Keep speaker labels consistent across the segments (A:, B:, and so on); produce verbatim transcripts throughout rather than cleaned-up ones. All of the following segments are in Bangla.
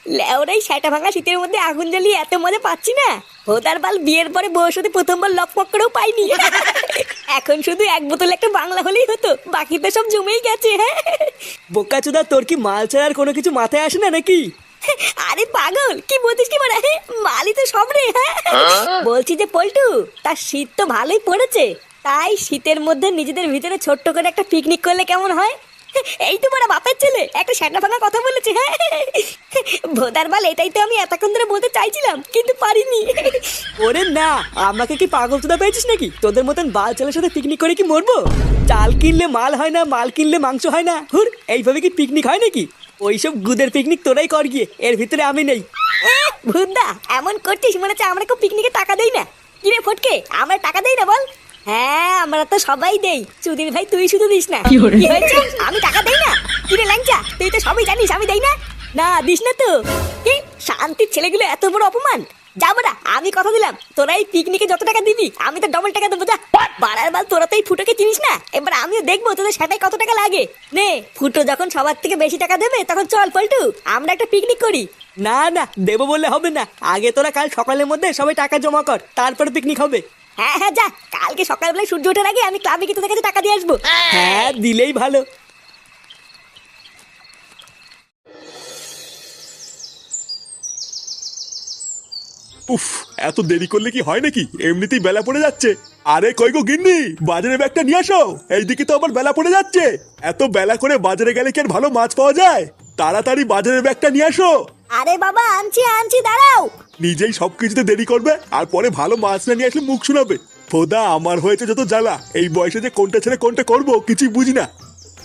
A: লেওরাই সেটা ভাঙা শীতের মধ্যে আগুন জ্বালিয়ে এত মজা পাচ্ছি না, ভোদার বাল বিয়ের পরে বউর সাথে প্রথমবার লকপক করেও পাইনি। এখন শুধু এক বোতল একটা বাংলা হলেই হতো, বাকি তো সব জমেই গেছে। হ্যাঁ
B: বোকাচোদা, তোর কি মাল ছাড়ার কোনো কিছু মাথায় আসে না নাকি?
A: আরে পাগল, কি বলছিস কি বলা? মালি তো সব রে। হ্যাঁ বলছি যে পল্টু, তার শীত তো ভালোই পড়েছে, তাই শীতের মধ্যে নিজেদের ভিতরে ছোট্ট করে একটা পিকনিক করলে কেমন হয়? এই তো বড় বাপের ছেলে একটা শ্যাটা ভাঙা কথা বলেছে। হ্যাঁ ভোদার বাল, এটাই তো আমি এতক্ষণ ধরে বলতে চাইছিলাম কিন্তু পারিনি।
B: ওরে না, আমাকে কি পাগল চোদা পেয়েছিস নাকি? তোদের মতন বাল ছেলের সাথে পিকনিক করে কি মরবো? চাল কিনলে মাল হয় না, মাল কিনলে মাংস হয় না। হুর, এইভাবে কি পিকনিক হয় নাকি? ওইসব গুদের পিকনিক তোরাই কর গিয়ে, এর ভিতরে আমি নেই।
A: ভুদা এমন করছিস মনে হচ্ছে আমরা কেউ পিকনিকে টাকা দেই না। কিরে ফটকে, আমরা টাকা দেই না বল? হ্যাঁ আমরা তো সবাই দেই, চুদির ভাই তুই শুধু দিস না। কি হয়েছে, আমি টাকা দেই না? কিরে ল্যাংচা, তুই তো সবই জানিস আমি দেই না। না দিস না তো? কি শান্তির ছেলেগুলো এত বড় অপমান! যাবো না, আমি কথা দিলাম তোরা এই পিকনিকে যত টাকা দিবি আমি তো ডবল টাকা দেবো। যা বাড়ার বাল, তোরা তো এই ফুটোকে চিনিস না, এবার আমিও দেখবো তোদের সেটাই কত টাকা লাগে। নে ফুটো যখন সবার থেকে বেশি টাকা দেবে তখন চল পল্টু, আমরা একটা পিকনিক করি।
B: না না, দেবো বললে হবে না। আগে তোরা কাল সকালের মধ্যে সবাই টাকা জমা কর, তারপরে পিকনিক হবে।
A: হ্যাঁ হ্যাঁ যা, কালকে সকালবেলায় সূর্য ওঠার আগে আমি ক্লাবে গিয়ে তোদের কাছে টাকা দিয়ে আসবো।
B: হ্যাঁ দিলেই ভালো।
C: উফ, এত দেরি করলে কি হয় নাকি? এমনিতেই বেলা পড়ে যাচ্ছে। আরে কই গো গিন্নি, বাজারে ব্যাগটা নিয়ে আসো। এইদিকে তো আবার বেলা পড়ে যাচ্ছে। এত বেলা করে বাজারে গেলে কি আর ভালো মাছ পাওয়া যায়? তাড়াতাড়ি বাজারের ব্যাগটা নিয়ে আসো।
A: আরে বাবা আনছি আনছি, দাঁড়াও।
C: নিজেই সবকিছুতে দেরি করবে আর পরে ভালো মাছ না নিয়ে আসলে মুখ শোনাবে। ফোদা, আমার হয়েছে যত জ্বালা। এই বয়সে যে কোনটা ছেড়ে কোনটা করবো কিছুই বুঝি না।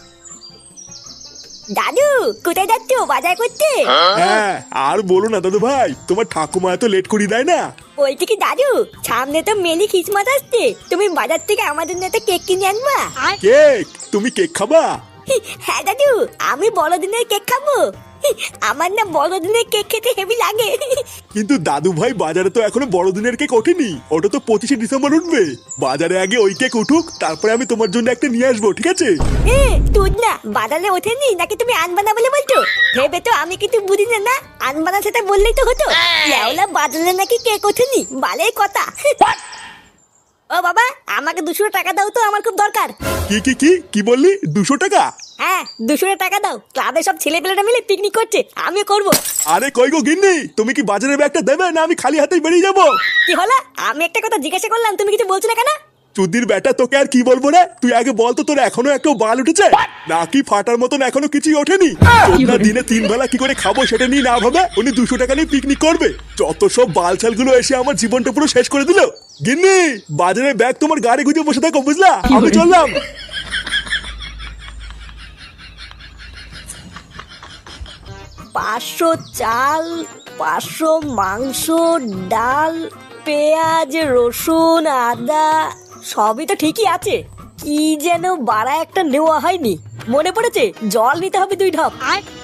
A: দাদু কোথায় যাচ্ছ, বাজার করতে?
C: হ্যাঁ আর বলো না দাদু ভাই, তোমার ঠাকুমা এত লেট করি দেয় না।
A: বলছি কি দাদু, সামনে তো মেলি খ্রিসমাস আসছে, তুমি বাজার থেকে আমার জন্য একটা কেক কিনে আনবা।
C: কেক? তুমি কেক খাবা?
A: হ্যাঁ দাদু, আমি বড়দিনের কেক খাবো। আমার না বড়দিনের কেক খেতে হেভি লাগে।
C: কিন্তু দাদু ভাই, বাজারে তো এখনো বড়দিনের কেক ওঠেনি, ওটা তো পঁচিশে ডিসেম্বর উঠবে। বাজারে আগে ওই কেক উঠুক, তারপরে আমি তোমার জন্য একটা নিয়ে আসবো, ঠিক আছে?
A: তুই না বাজারে ওঠেনি নাকি তুমি আনবা না বলে বলছো? ভেবে তো আমি কিছু বুঝি না। না আনবা না সেটা বললেই তো হতো। লেওলা বাজারে নাকি কেক ওঠেনি, বালের কথা। ও বাবা, আমাকে দুশো টাকা দাও তো, আমার খুব দরকার।
C: কি কি কি কি বললি? দুশো টাকা?
A: হ্যাঁ দুশো টাকা দাও, ক্লাবে সব ছেলেপেলেরা মিলে পিকনিক করছে, আমিও করবো।
C: আরে কই গো গিন্নি, তুমি কি বাজারের ব্যাগটা দেবে না আমি খালি হাতেই বেরিয়ে যাবো?
A: কি হলো? আমি একটা কথা জিজ্ঞাসা করলাম, তুমি কিছু বলছো না কেন?
C: চুদির ব্যাটা, তোকে আর কি বলবো রে? তুই আগে বল তো, তোর এখনো একটু বাল উঠেছে নাকি ফাটার মতন এখনো কিছুই ওঠেনি? তোমরা দিনে তিন বেলা কি করে খাবো সেটা নিয়ে না ভাবে উনি দুশো টাকা নিয়ে পিকনিক করবে। যত সব বালছাল গুলো এসে আমার জীবনটা পুরো শেষ করে দিল। গিন্নি, বাজারের ব্যাগ তোমার গাড়ি গুজে বসে থাকো, বুঝলা? আমি চললাম।
A: পাঁচশো চাল, পাঁচশো মাংস, ডাল, পেঁয়াজ, রসুন, আদা সবই তো ঠিকই আছে, কি যেন বাড়া একটা নেওয়া হয়নি। মনে পড়েছে, জল নিতে হবে দুই ঢপ।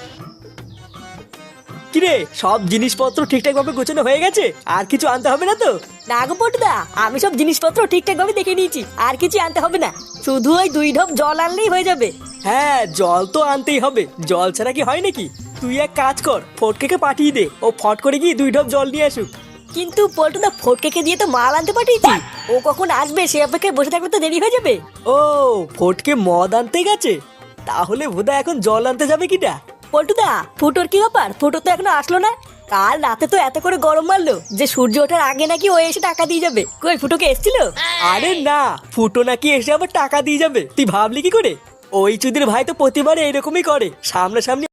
B: কিরে, সব জিনিসপত্র ঠিকঠাক ভাবে গোছানো হয়ে গেছে? আর কিছু আনতে হবে না তো?
A: না গো পটুদা, আমি সব জিনিসপত্র ঠিকঠাক ভাবে দেখে নিয়েছি, আর কিছু আনতে হবে না, শুধু ওই দুই ঢপ জল আনলেই হয়ে যাবে।
B: হ্যাঁ জল তো আনতেই হবে, জল ছাড়া কি হয় নাকি? তুই এক কাজ কর, ফটকে পাঠিয়ে দে, ও ফট করে গিয়ে দুই ঢপ জল নিয়ে আসুক।
A: কিন্তু পল্টুদা ফটকে দিয়ে তো মাল আনতে পাঠিয়েছি, ও কখন আসবে সে অপেক্ষায় বসে থাকলে তো দেরি হয়ে যাবে।
B: ও ফটকে মদ আনতে গেছে, তাহলে বোধহয় এখন জল আনতে যাবে কিটা?
A: পল্টুদা ফুটোর কি ব্যাপার? ফুটো তো এখনো আসলো না। কাল রাতে তো এত করে গরম মারলো যে সূর্য ওঠার আগে নাকি ও এসে টাকা দিয়ে যাবে। কই ফুটোকে এসেছিল?
B: আরে না, ফুটো নাকি এসে আবার টাকা দিয়ে যাবে, তুই ভাবলি কি করে? ওই চুদির ভাই তো প্রতিবার এইরকমই করে, সামনাসামনি